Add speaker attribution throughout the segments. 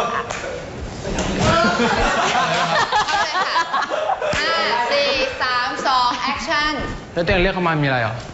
Speaker 1: 5 4 3 2 action
Speaker 2: แล้วเตียงเรียกเขามามีอะไรเหรอ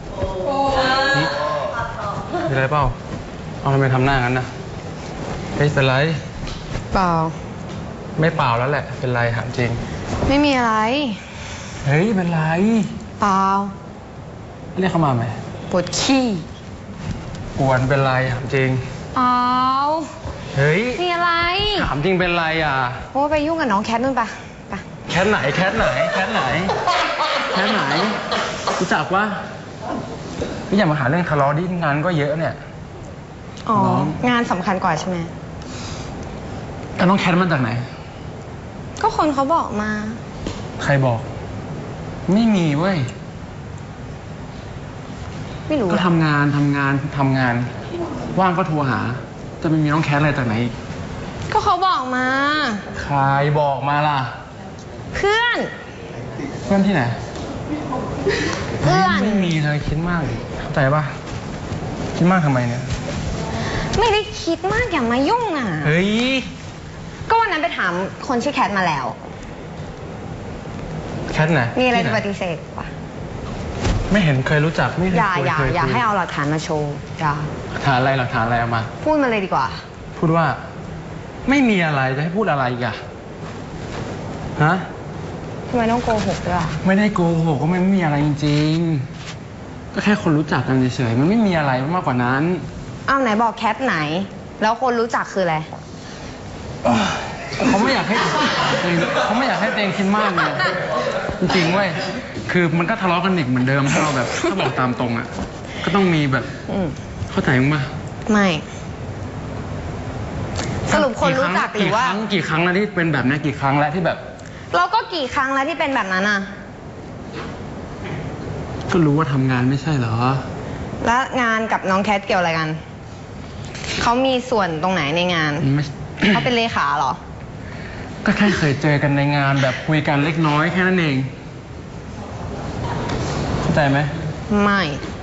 Speaker 2: มีอะไรเปล่าเอาทำไมทำหน้างั้นนะเฮ้ยเป็นไร
Speaker 1: เปล่า
Speaker 2: ไม่เปล่าแล้วแหละเป็นไรถามจริง
Speaker 1: ไม่มีอะไร
Speaker 2: เฮ้ยเป็นไร
Speaker 1: เปล่า
Speaker 2: เรียกเขามาไหม
Speaker 1: ปวดขี้
Speaker 2: กวนเป็นไรถามจริง
Speaker 1: เปล่า
Speaker 2: เฮ้ย
Speaker 1: มีอะไร
Speaker 2: ถามจริงเป็นไรอ่ะ
Speaker 1: โอ้ไปยุ่งกับน้องแคทนู่นปะ
Speaker 2: แคทไหนแคทไหนแคทไหนแคทไหนรู้จักวะพี่อย่ามาหาเรื่องทะเลาะดิงานก็เยอะเนี่ย
Speaker 1: อ๋องานสำคัญกว่าใช่ไหม
Speaker 2: แล้วน้องแคทมาจากไหน
Speaker 1: ก็คนเขาบอกมา
Speaker 2: ใครบอกไม่มีเว้ย
Speaker 1: ไม่รู้
Speaker 2: ก็ทำงานว่างก็โทรหาจะไม่มีน้องแคทอะไรจากไหน
Speaker 1: ก็เขาบอกมา
Speaker 2: ใครบอกมาล่ะ
Speaker 1: เพื่อน
Speaker 2: ที่ไหน
Speaker 1: เพื่อน
Speaker 2: ไม่มีเลยคิดมากเข้าใจป่ะคิดมากทำไมเนี่ย
Speaker 1: ไม่ได้คิดมากอย่ามายุ่งอ่ะ
Speaker 2: เฮ้ย
Speaker 1: ก็วันนั้นไปถามคนชื่อแคทมาแล้ว
Speaker 2: แคทไหน
Speaker 1: มีอะไรจะปฏิเสธปะ
Speaker 2: ไม่เห็นเคยรู้จักไม่เคย
Speaker 1: อย่าให้เอาหลักฐานมาโชว์อย่า
Speaker 2: หลักฐานอะไรเอามา
Speaker 1: พูดมาเลยดีกว่า
Speaker 2: พูดว่าไม่มีอะไรจะให้พูดอะไรอีกอะฮะ
Speaker 1: ทำไมต้องโกหกด้วย
Speaker 2: ไม่ได้โกหกก็ไม่มีอะไรจริงๆก็แค่คนรู้จักกันเฉยๆมันไม่มีอะไรมากกว่านั้น
Speaker 1: อ้าวไหนบอกแคทไหนแล้วคนรู้จักคืออะไร
Speaker 2: เขาไม่อยากให้เตงคิดมากเลยจริงๆเว้ยคือมันก็ทะเลาะกันอีกเหมือนเดิมถ้าเราแบบถ้าบอกตามตรงอ่ะก็ต้องมีแบบเข้าใจมั้ย
Speaker 1: ไม่สรุปคนรู้จักหรือว่า
Speaker 2: กี่ครั้งแล้วที่เป็นแบบนี้กี่ครั้งแล้วที่แบบ
Speaker 1: เราก็กี่ครั้งแล้วที่เป็นแบบนั้นอ่ะ
Speaker 2: ก็รู้ว่าทำงานไม่ใช่เหรอ
Speaker 1: แล้วงานกับน้องแคทเกี่ยวอะไรกันเขามีส่วนตรงไหนในงานเขาเป็นเลขาเหรอ
Speaker 2: ก็แค่เคยเจอกันในงานแบบคุยกันเล็กน้อยแค่นั้นเองเข้าใจไหม
Speaker 1: ไม่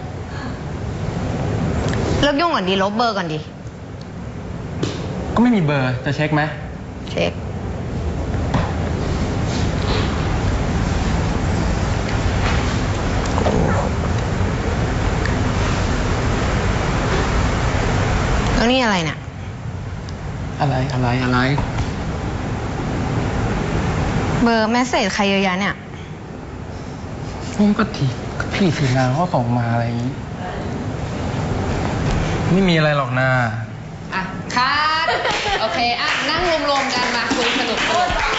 Speaker 1: เลิกยุ่งก่อนดีลบเบอร์ก่อนดี
Speaker 2: ก็ไม่มีเบอร์จะเช็คไหม
Speaker 1: เช็คแล้วนี่อะไรเนี่ย
Speaker 2: อะไร
Speaker 1: เบอร์แมสเสจใครเยอะแยะเนี่ย
Speaker 2: ก็พี่ทีมงานเขาส่งมาอะไรอย่างนี้ไม่มีอะไรหรอกนะ
Speaker 1: อ่ะคัทโอเคอ่ะนั่งรวมๆกันมาคุยสนุก